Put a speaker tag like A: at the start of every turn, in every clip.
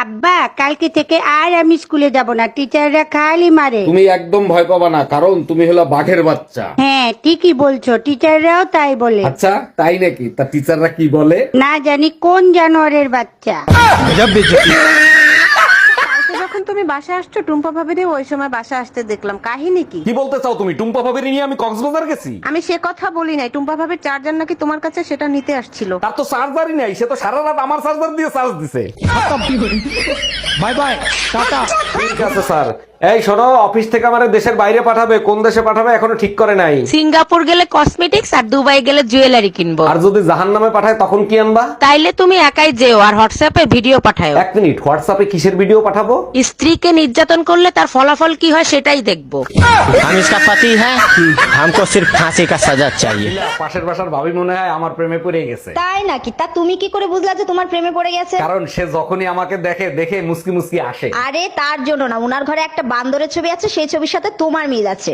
A: আব্বা কালকে থেকে আর আমি স্কুলে যাব না, টিচাররা খালি মারে।
B: তুমি একদম ভয় পাবা না, কারণ তুমি হলো বাঘের বাচ্চা।
A: হ্যাঁ ঠিকই বলছো, টিচাররাও তাই বলে।
B: আচ্ছা তাই নাকি? তা টিচাররা কি বলে?
A: না জানি কোন জানোয়ারের বাচ্চা।
C: যখন তুমি বাসা আসছো টুম্পা ভাবিরে ওই সময় বাসা আসতে দেখলাম, কাহিনী কি?
B: কি বলতে চাও তুমি? টুম্পা ভাবির নিয়ে আমি কক্সবাজার গেছি?
C: আমি সে কথা বলি নাই, টুম্পা ভাবির চার্জার নাকি তোমার কাছে, সেটা নিতে আসছিল।
B: তার তো চার্জারই নাই, সে তো সারা রাত আমার চার্জার দিয়ে চার্জ দিছে।
D: Bye bye, tata.
B: ঠিক আছে স্যার। এই শোনো, অফিস থেকে আমার দেশের বাইরে পাঠাবে, কোন দেশে পাঠাবে এখনো ঠিক করে নাই।
E: সিঙ্গাপুর গেলে কসমেটিক্স আর দুবাই গেলে জুয়েলারি কিনবো।
B: আর যদি জাহান্নামে পাঠায় তখন কি আনবা?
E: তাইলে তুমি একাই যেও আর হোয়াটসঅ্যাপে ভিডিও পাঠাও।
B: এক মিনিট, হোয়াটসঅ্যাপে কিসের ভিডিও পাঠাবো?
E: স্ত্রীকে নির্যাতন করলে তার ফলাফল কি হয় সেটাই দেখবো।
F: हम इसका पति है, हमको सिर्फ फांसी का सजा चाहिए।
B: পাশের বাসার ভাবি মনে হয় আমার প্রেমে পড়ে গেছে।
G: তাই নাকি? তা তুমি কি করে বুঝলা যে তোমার প্রেমে পড়ে গেছে?
B: কারণ সে যখনই আমাকে দেখে দেখে মুসকি মুসকি আসে।
G: আরে তার জন্য না, উনার ঘরে একটা বান্দরের ছবি আছে, সেই ছবির সাথে তোমার মিল আছে।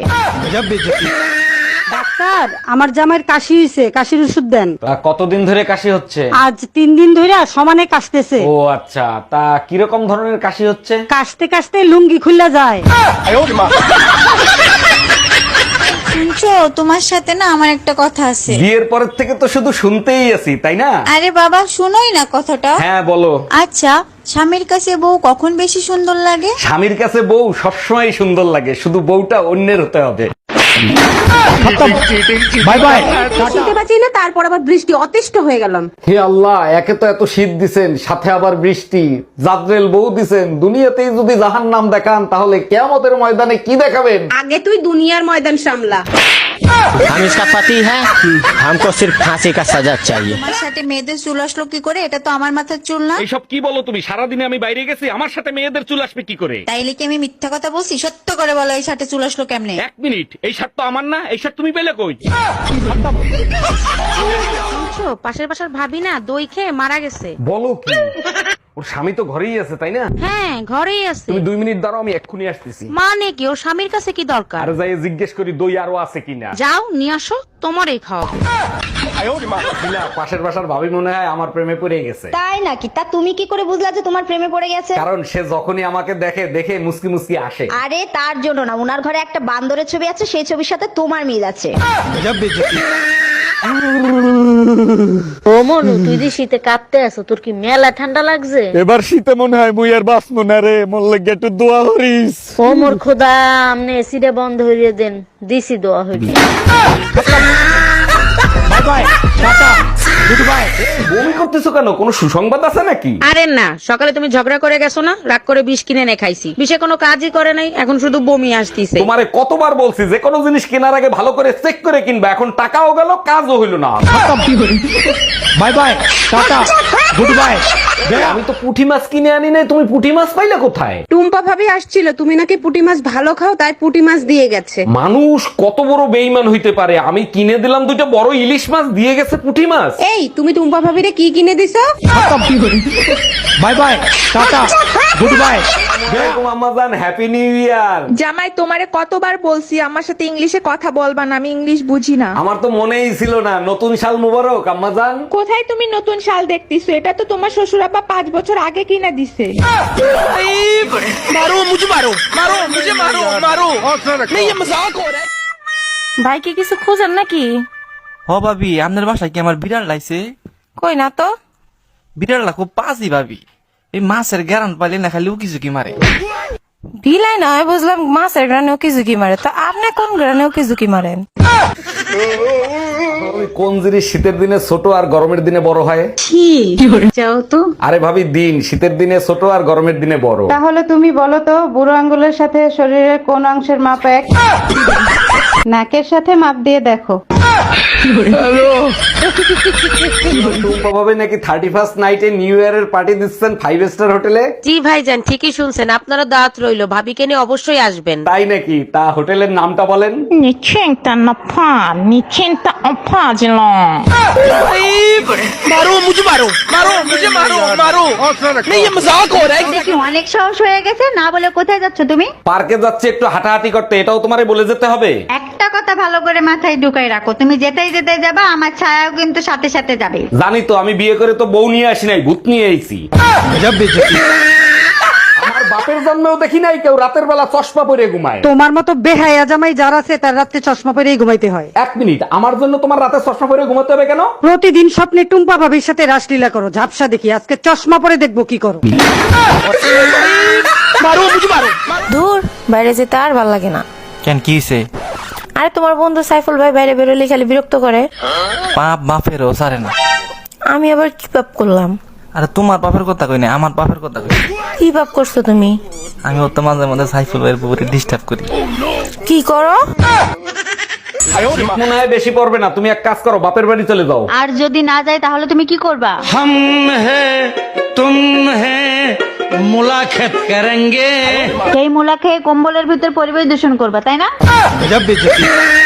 A: ডাক্তার আমার জামাইয়ের কাশি হইছে, কাশির ওষুধ দেন।
B: তা কতদিন ধরে কাশি হচ্ছে?
A: আজ 3 দিন ধরে সমানে কাশতেছে।
B: ও আচ্ছা, তা কিরকম ধরনের কাশি হচ্ছে?
A: কাশতে কাশতে লুঙ্গি খুললা যায়।
H: শুনছো, তোমার সাথে না আমার একটা কথা আছে।
B: বিয়ের পরের থেকে তো শুধু শুনতেই আছি, তাই না?
H: আরে বাবা শুনোই না কথাটা।
B: হ্যাঁ বলো।
H: আচ্ছা, স্বামীর কাছে বউ কখন বেশি সুন্দর লাগে?
B: স্বামীর কাছে বউ সবসময় সুন্দর লাগে, শুধু বউটা অন্যের হতে হবে।
D: Bye bye.
C: শুনতে পাচ্ছি না, তারপর আবার বৃষ্টি, অতিষ্ঠ হয়ে গেলাম।
B: হে আল্লাহ, একে তো এত শীত দিছেন, সাথে আবার বৃষ্টি, জাদ্রেল বউ দিছেন। দুনিয়াতেই যদি জাহান্নাম দেখান তাহলে কিয়ামতের ময়দানে কি দেখাবেন?
C: আগে তুই দুনিয়ার ময়দান সামলা।
F: हम इसका पति है, हमको सिर्फ फांसी का सजा चाहिए।
H: তোমার সাথে মেয়েদের চুল আসলো কি করে? এটা তো আমার মাথার চুল না।
B: এইসব কি বলো তুমি? সারাদিনে আমি বাইরে গেছি, আমার সাথে মেয়েদের চুল আসবে কি করে?
H: তাইলে কি আমি মিথ্যা কথা বলছি? সত্য করে বলো, এই সাথে চুল আসলো কেমনে?
B: এক মিনিট, এই শার্ট তো আমার না, এই শার্ট তুমি পেলে কই?
E: শুনছো, পাশের বাসার ভাবি না দই খেয়ে মারা গেছে।
B: বলো কি? ওর স্বামী তো ঘরেই আছে, তাই না?
E: হ্যাঁ ঘরেই আছে।
B: তুমি 2 মিনিট দাঁড়াও, আমি এক্ষুনি আসতেছি।
E: মানে কি, ওর স্বামীর কাছে কি দরকার?
B: আর যাই জিজ্ঞেস করি দই আরো আছে কিনা।
E: যাও নিয়ে আসো, তোমারই খাওয়াবো।
B: না, পাশের বাসার ভাবি মনে হয় আমার প্রেমে পড়ে গেছে।
G: তাই নাকি? তা তুমি কি করে বুঝলা যে তোমার প্রেমে পড়ে গেছে?
B: কারণ সে যখনই আমাকে দেখে দেখে মুসকি মুসকি আসে।
G: আরে তার জন্য না, উনার ঘরে একটা বান্দরের ছবি আছে, সেই ছবির সাথে তোমার মিল আছে।
E: ও মনু, তুই যে শীতে কাঁপতে আছো, তোর কি মেলা ঠান্ডা লাগছে?
B: এবার শীতে মনে হয় মুই আর বাঁচবো না রে, মোর লাগে একটু দোয়া করিস।
E: ও মোর খোদা, আমনে এসিটা বন্ধ হইয়ে দেন, দিছি দোয়া হইবে।
D: Bye bye, tata, goodbye.
B: বমি করতেছো কেন? কোনো সুসংবাদ আছে নাকি?
E: আরে না, সকালে তুমি ঝগড়া করে গেছো না, রাগ করে বিষ কিনে এনে খাইছি, বিষে কোনো কাজই করে নাই, এখন শুধু বমি আসতিছে।
B: তোমারে কতবার বলছি যে কোনো জিনিস কেনার আগে ভালো করে চেক করে কিনবা, এখন টাকাও গেল কাজও হইলো না।
D: Bye bye, tata, goodbye.
B: আমি তো পুঁটি মাছ কিনে আনি নাই, তুমি পুঁটি মাছ পাইলে কোথায়?
C: টুম্পা ভাবি আসছিল, তুমি নাকি পুঁটি মাছ ভালো খাও, তাই পুঁটি মাছ দিয়ে গেছে।
B: মানুষ কত বড় বেইমান হইতে পারে! আমি কিনে দিলাম 2টা বড় ইলিশ মাছ, দিয়ে গেছে পুঁটি মাছ।
C: এই তুমি টুম্পা ভাবিরে কি কিনে দিছো?
D: Bye bye, tata, goodbye.
B: আম্মাজান, হ্যাপি নিউ ইয়ার।
I: জামাই তোমারে কতবার বলছি আমার সাথে ইংলিশে কথা বলবা না, আমি ইংলিশ বুঝি না।
B: আমার তো মনেই ছিল না। নতুন সাল মুবারক আম্মাজান।
I: কোথায় তুমি নতুন শাল দেখতেছো? এটা তো তোমার শ্বশুর আব্বা 5 বছর আগে কিনে দিছে।
E: ভাই কি কিছু খোঁজেন নাকি?
J: হ ভাবি, আপনার বাসায় কি আমার বিড়াল লাইছে?
E: কই না তো।
J: বিড়ালটা খুব পাজি ভাবি, এই মাছের গ্যারান পাইলে না খালি উকি ঝুঁকি মারে।
E: বিলাই নয়, বুঝলাম মাছের গ্রানে ওকে ঝুঁকি মারে, তো আপনি কোন গ্রানে ওকে ঝুঁকি মারেন?
B: কোন জিনিস শীতের দিনে ছোট আর গরমের দিনে বড় হয়?
A: যাও তো।
B: আরে ভাবি, দিন শীতের দিনে ছোট আর গরমের দিনে বড়।
A: তাহলে তুমি বলো তো, বুড়ো আঙ্গুলের সাথে শরীরের কোন অংশের মাপ এক? নাকের সাথে মাপ দিয়ে দেখো।
B: টুম্পা ভাবে নাকি 31st নাইটে নিউ ইয়ারের পার্টি দিচ্ছেন 5 স্টার হোটেলে।
E: জি ভাইজান, ঠিকই শুনছেন, আপনারা দাওয়াত রইলো, ভাবিকে নিয়ে অবশ্যই আসবেন।
B: তাই নাকি? তা হোটেলের নামটা বলেন।
G: দেখি অনেক সাহস হয়ে গেছে, না বলে কোথায় যাচ্ছ তুমি?
B: পার্কে যাচ্ছে একটু হাঁটাহাঁটি করতে, এটাও তোমারে বলে যেতে হবে?
G: একটা কথা ভালো করে মাথায় ঢুকাই রাখো, তুমি যেতেই যেতে যাবা, আমার ছায়াও কিন্তু সাথে সাথে যাবে।
B: জানি তো, আমি বিয়ে করে তো বউ নিয়ে আসি নাই, ভূত নিয়ে আইছি। বাপের জন্মেও দেখি নাই কেউ রাতের বেলা চশমা পরে ঘুমায়।
A: তোমার মতো বেহায়া জামাই যার আছে তার রাতে চশমা পরেই ঘুমাইতে হয়।
B: 1 মিনিট, আমার জন্য তোমার রাতে চশমা পরে ঘুমাতে হবে কেন?
A: প্রতিদিন স্বপ্নে টুম্পা ভাবির সাথে রাসলীলা করো, ঝাপসা দেখি, আজকে চশমা পরে দেখবো কি করো।
H: দূর বাইরে যেতে আর ভাল লাগে না।
J: কেন কি হইছে?
H: আরে তোমার বন্ধু সাইফুল ভাই বাইরে বেরোলে খালি বিরক্ত করে।
J: পাপ বাপেরও সারে না।
H: আমি আবার কি পাপ করলাম?
J: আরে তোমার বাপের কথা কই না, আমার বাপের কথা কই।
H: কি পাপ করছো তুমি?
J: আমি ওর তো মাঝে মাঝে সাইফুল ভাইয়ের পুকুরে ডিস্টার্ব করি।
H: কি করো?
B: মনে হয় বেশি পড়বে না, তুমি এক কাজ করো, বাপের বাড়ি চলে যাও।
G: আর যদি না যায় তাহলে তুমি কি করবা?
D: हम हैं तुम हैं मुलाकात करेंगे।
G: সেই মুলা খেয়ে কম্বলের ভিতর পরিবেশ দূষণ করবা, তাই না?
D: गजब बेइज्जती।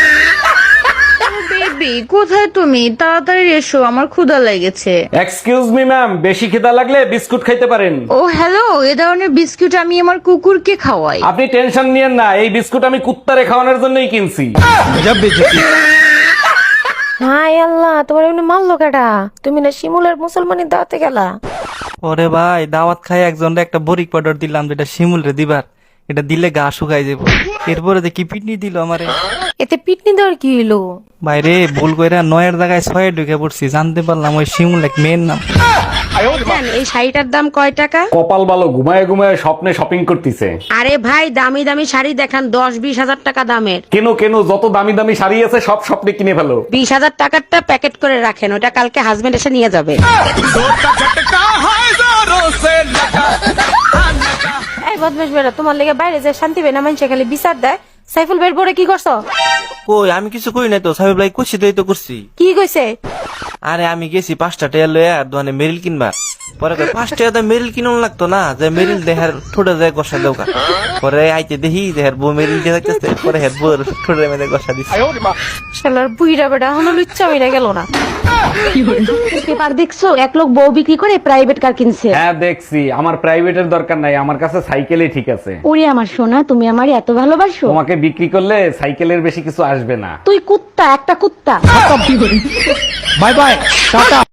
H: বেবি কোথায় তুমি? তাড়াতাড়ি এসো, আমার ক্ষুধা লেগেছে।
B: এক্সকিউজ মি ম্যাম, বেশি খিদা লাগলে বিস্কুট খাইতে পারেন।
H: ও হ্যালো, এ ধরনের বিস্কুট আমি আমার কুকুরকে খাওয়াই।
B: আপনি টেনশন নিয়েন না, এই বিস্কুট আমি কুত্তারে খাওয়ানোর জন্যই কিনছি।
D: गजब बेइज्जती।
H: হাই আল্লাহ, তোমার এমনি মারলো কেডা? তুমি না শিমুলের মুসলমানের দাওয়াতে গেলা?
J: ওরে ভাই, দাওয়াত খাই একজনরে একটা বরিক পাউডার দিলাম, যেটা শিমুল রে দিবার, এটা দিলে গা শুকাই যাবো। এরপরে দেখি পিটনি দিল আমারে।
H: এতে পিটনি দেওয়ার কি হইলো?
J: বাইরে ভুল কইরা 9 জায়গায় 6 ঢুকে পড়ছি, জানতে পারলাম ওই শিমুল এক মেয়ের নাম।
E: এই শাড়িটার দাম কয় টাকা?
B: কপাল ভালো, ঘুমায় ঘুমায় স্বপ্নে শপিং করতেছে।
E: আরে ভাই, দামি দামি শাড়ি দেখান, 10-20 হাজার টাকা দামের।
B: কেন কেন, যত দামি দামি শাড়ি আছে সব স্বপ্নে কিনে ফেলো।
E: 20,000 টাকারটা প্যাকেট করে রাখেন, ওটা কালকে হাজবেন্ড এসে নিয়ে যাবে।
H: এই বদমাশ বেড়া, তোমার লেগে বাইরে যে শান্তি বেনা মানুষে খালি বিচার দেয়। সাইফুল বের পরে কি করছো?
J: কই আমি কিছু কই নাই তো, সাহেব ভাই খুশি তো করছি।
H: কি কইছে?
J: আরে আমি গেছি 5টা টাকা লয়ে আর দোকানে মেরিল কিনবা। পরে 5 টাকা তো মেরিল কিনুন লাগতো না, যে মেরিল দেহার ঠোঁটে যায় গসা দৌকা। পরে আইতে দেখি দেহার বউ মেরিল দিয়ে থাকতেছে, পরে হেড বউর ঠোঁটে মেরে গসা দিছে।
H: শালার বুইড়া বেড়া হলো লুচ্চা মিরা গেল না।
E: পেপার দেখছো, এক লোক বউ বিক্রি করে প্রাইভেট কার কিনছে।
B: হ্যাঁ দেখছি, আমার প্রাইভেটের দরকার নাই, আমার কাছে সাইকেলই ঠিক আছে।
E: ওরে আমার সোনা, তুমি আমার এত ভালোবাসো।
B: তোমাকে বিক্রি করলে সাইকেলের বেশি কিছু আসবে না।
E: তুই কুত্তা, একটা কুত্তা।
D: Bye bye Tata